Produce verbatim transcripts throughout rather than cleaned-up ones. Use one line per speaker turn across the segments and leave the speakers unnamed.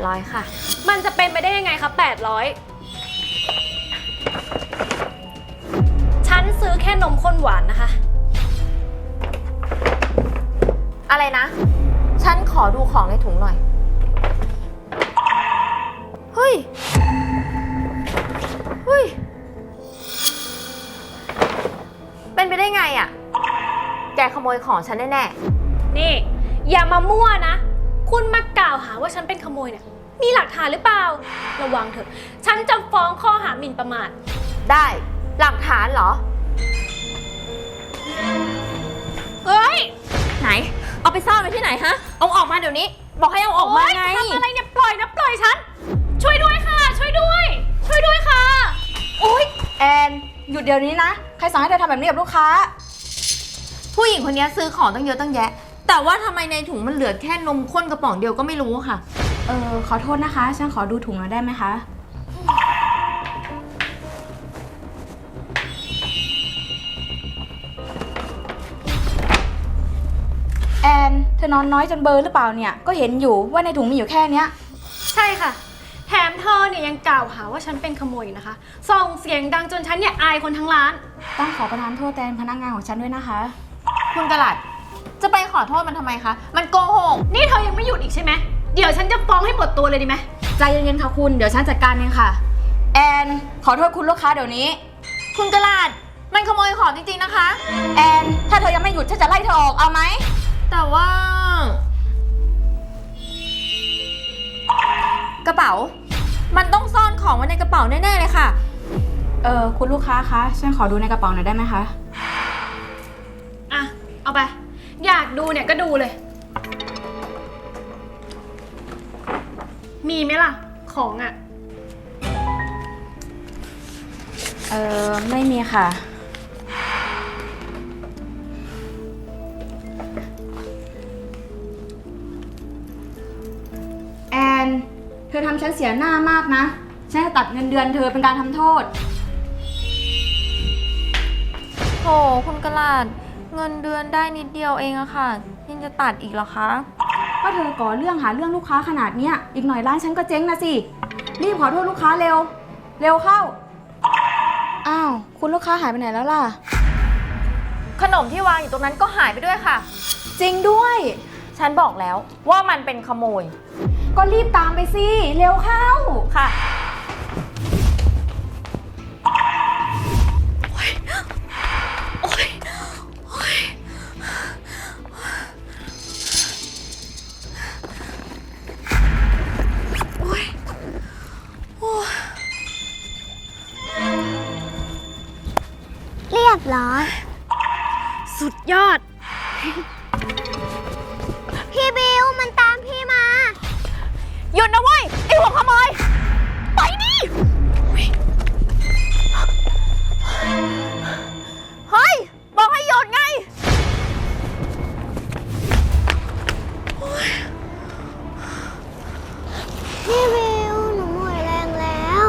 ร้อยค่ะ
มันจะเป็นไปได้ยังไงคะแปดร้อยฉันซื้อแค่นมข้นหวานนะคะ
อะไรนะฉันขอดูของในถุงหน่อยเฮ้ยเฮ้ยเป็นไปได้ไงอะแกขโมยของฉันแน่
ๆนี่อย่ามามั่วนะคุณมากล่าวหาว่าฉันเป็นขโมยเนี่ยมีหลักฐานหรือเปล่าระวังเถอะฉันจะฟ้องข้อหาหมิ่นประมาท
ได้หลักฐานเหรอ
เฮ้ย
ไหนเอาไปซ่อนไว้ที่ไหนฮะเอาออกมาเดี๋ยวนี้บอกให้เอาออกมาไง
ทำอะไรเนี่ยปล่อยนะปล่อยฉันช่วยด้วยค่ะช่วยด้วยช่วยด้วยค่ะ
โอ๊ยแอนหยุดเดี๋ยวนี้นะใครสั่งให้เธอทำแบบนี้กับลูกค้า
ผู้หญิงคนนี้ซื้อของตั้งเยอะตั้งแยะแต่ว่าทำไมในถุงมันเหลือแค่นมข้นกระป๋องเดียวก็ไม่รู้ค่ะ
เออขอโทษนะคะฉันขอดูถุงหน่อยได้ไหมคะแอนเธอนอนน้อยจนเบลอหรือเปล่าเนี่ยก็เห็นอยู่ว่าในถุงมีอยู่แค่เนี้ย
ใช่ค่ะแถมเธอเนี่ยยังกล่าวหาว่าฉันเป็นขโมยนะคะส่งเสียงดังจนฉันเนี่ยอายคนทั้งร้าน
ต้องขอประทานโทษแทนพนักงานของฉันด้วยนะคะ
คุณกระหลัดจะไปขอโทษมันทำไมคะมันโกหก
นี่เธอยังไม่หยุดอีกใช่ไหมเดี๋ยวฉันจะฟ้องให้หมดตัวเลยดีไหม
ใจเย็นๆค่ะคุณเดี๋ยวฉันจัดการเองค่ะแอนขอโทษคุณลูกค้าเดี๋ยวนี้
คุณกระหลัดมันขโมยของจริงๆนะคะ
แอนถ้าเธอยังไม่หยุดฉันจะไล่เธอออกเอาไหม
แต่ว่ากระเป๋ามันต้องซ่อนของไว้ในกระเป๋าแน่ๆเลยค่ะ
เออคุณลูกค้าคะฉันขอดูในกระเป๋าหน่อยได้ไหมคะ
อ่ะเอาไปอยากดูเนี่ยก็ดูเลยมีไหมล่ะของอ่ะ
เออไม่มีค่ะแอนเธอทำฉันเสียหน้ามากนะฉันจะตัดเงินเดือนเธอเป็นการทำโทษ
โหคุณกระหลัดเงินเดือนได้นิดเดียวเองอะค่ะยังจะตัดอีกเหรอคะ
ก็เธอก่อเรื่องหาเรื่องลูกค้าขนาดเนี้ยอีกหน่อยร้านฉันก็เจ๊งนะสิรีบขอโทษลูกค้าเร็วเร็วเข้าอ้าวคุณลูกค้าหายไปไหนแล้วล่ะ
ขนมที่วางอยู่ตรงนั้นก็หายไปด้วยค่ะ
จริงด้วย
ฉันบอกแล้วว่ามันเป็นขโมย
ก็รีบตามไปสิเร็วเข้า
ค่ะ
เรียบร้อย
สุดยอด
พี่บิวมันตามพี่มา
หยุดนะเว้ยไอ้หัวขโมยไปดิเฮ้ยบอกให้หยุดไง
พี่บิวหนูหมดแรงแล้ว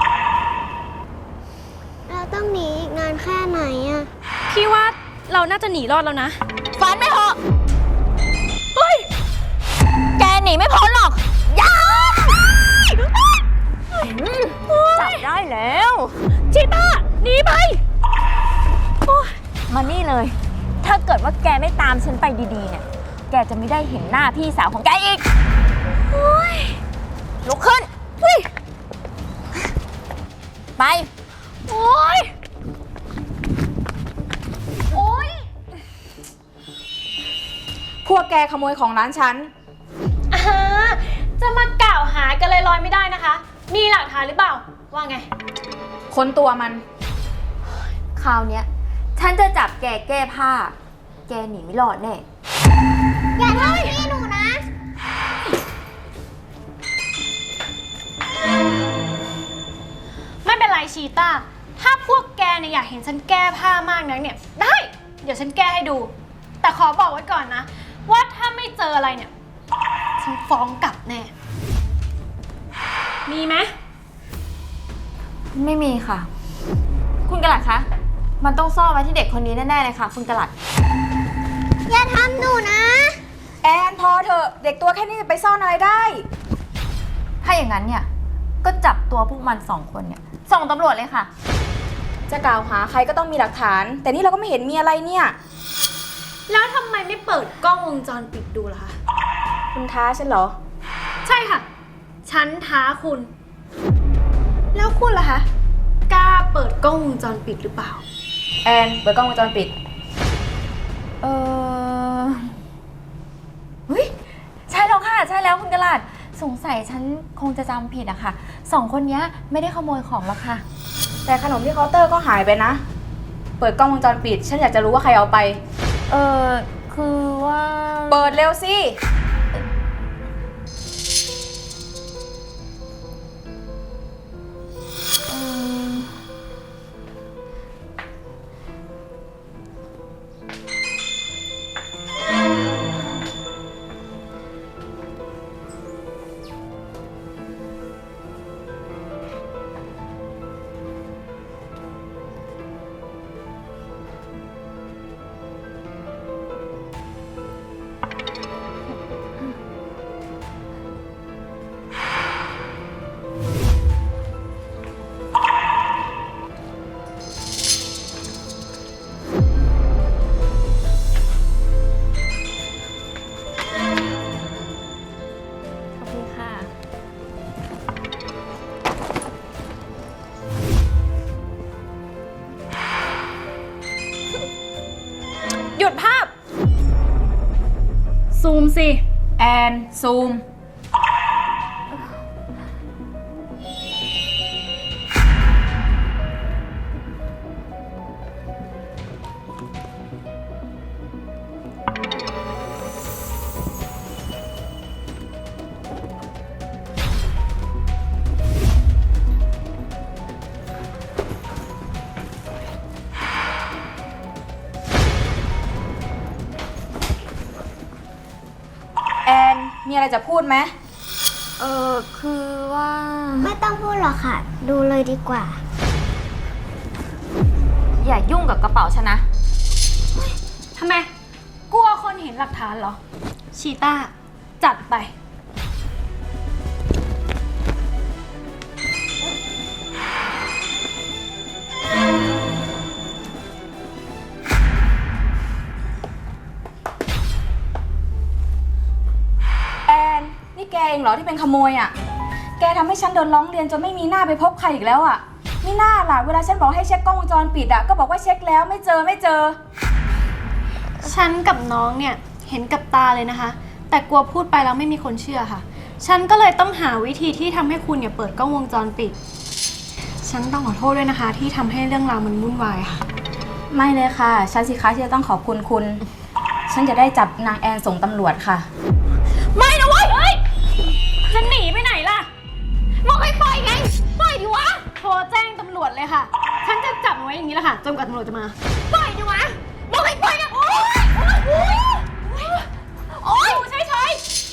เราต้องหนีอีกนานแค่ไหนอะ
พี่ว่าเราน่าจะหนีรอดแล้วนะ
ฝันไม่เหรอเฮ้ยแกหนีไม่พ้นหรอกอย่าจับได้แล้ว
ชิต้าหนีไป
มานี่เลยถ้าเกิดว่าแกไม่ตามฉันไปดีๆเนี่ยแกจะไม่ได้เห็นหน้าพี่สาวของแกอีกลุกขึ้นไป
โอ๊ยโอ๊ย
พวกแกขโมยของร้านฉัน
อ่าจะมากล่าวหากันลอยๆไม่ได้นะคะมีหลักฐานหรือเปล่าว่าไง
ค้นตัวมัน
คราวเนี้ยฉันจะจับแกแก้ผ้าแกหนีไม่รอดแน่
อย่าทำพี่หนูนะ
ไม่เป็นไรชีต้าถ้าพวกแกเนี่ยอยากเห็นฉันแก้ผ้ามากนักเนี่ยได้เดี๋ยวฉันแก้ให้ดูแต่ขอบอกไว้ก่อนนะว่าถ้าไม่เจออะไรเนี่ยฉันฟ้องกลับแน่มีไหม
ไม่มีค่ะคุณกระหลัดคะมันต้องซ่อนไว้ที่เด็กคนนี้แน่ๆเลยค่ะคุณกระหลัด
อย่าทำหนูนะ
แอนพอเถอะเด็กตัวแค่นี้จะไปซ่อนอะไรได้
ถ้าอย่างนั้นเนี่ยก็จับตัวพวกมันสองคนเนี่ยส่งตำรวจเลยค่ะ
จะกล่าวหาใครก็ต้องมีหลักฐาน แต่นี่เราก็ไม่เห็นมีอะไรเนี่ย
แล้วทำไมไม่เปิดกล้องวงจรปิดดูล่ะคะ
คุณท้าฉันเหรอ
ใช่ค่ะ ฉันท้าคุณ แล้วคุณล่ะคะ กล้าเปิดกล้องวงจรปิดหรือเปล่า
แอนเปิดกล้องวงจรปิด
เออเฮ้ยใช่แล้วค่ะ ใช่แล้วคุณกระลาดสงสัยฉันคงจะจำผิดอะค่ะสองคนนี้ไม่ได้ขโมยของหรอกค่ะ
แต่ขนมที่เคาน์เตอร์ก็หายไปนะ เปิดกล้องวงจรปิด ฉันอยากจะรู้ว่าใครเอาไป
เออคือว่า
เปิดเร็วสิ
เออ ขอบคุณค่ะ
หยุดภาพ ซูมสิ
แอน ซูม แอน มีอะไรจะพูดไหม
เออคือว่า
ไม่ต้องพูดหรอกค่ะ ดูเลยดีกว่า
อย่ายุ่งกับกระเป๋าฉันนะ
ทำไม กลัวคนเห็นหลักฐานเหรอ ชีต้า จัดไป
แอน นี่แกเองเหรอที่เป็นขโมยอ่ะ แกทำให้ฉันโดนร้องเรียนจนไม่มีหน้าไปพบใครอีกแล้วอ่ะไม่น่าล่ะ เวลาฉันบอกให้เช็คกล้องวงจรปิดอ่ะ ก็บอกว่าเช็คแล้วไม่เจอไม่เจอ
ฉันกับน้องเนี่ยเห็นกับตาเลยนะคะ แต่กลัวพูดไปแล้วไม่มีคนเชื่อค่ะ ฉันก็เลยต้องหาวิธีที่ทำให้คุณเนี่ยเปิดกล้องวงจรปิด ฉันต้องขอโทษด้วยนะคะ ที่ทำให้เรื่องราวมันวุ่นวายค่ะ
ไม่เลยค่ะ ฉันสิคะที่จะต้องขอบคุณคุณ ฉันจะได้จับนางแอนส่งตำรวจค่ะ
ไม่นะเว้ยเอ้ยจะหนีไปไหนล่ะบอกให้ปล่อยไง ปล่อยดิวะ โทรแจ้งตำรวจเลยค่ะ ฉันจะจับมันไว้อย่างนี้แหละค่ะ จนกว่าตำรวจจะมา ปล่อยดิวะบอกให้ปล่อยนะโอ๊ยโอ๊ยโอ๊ยโอ๊ยอยู่เฉยๆ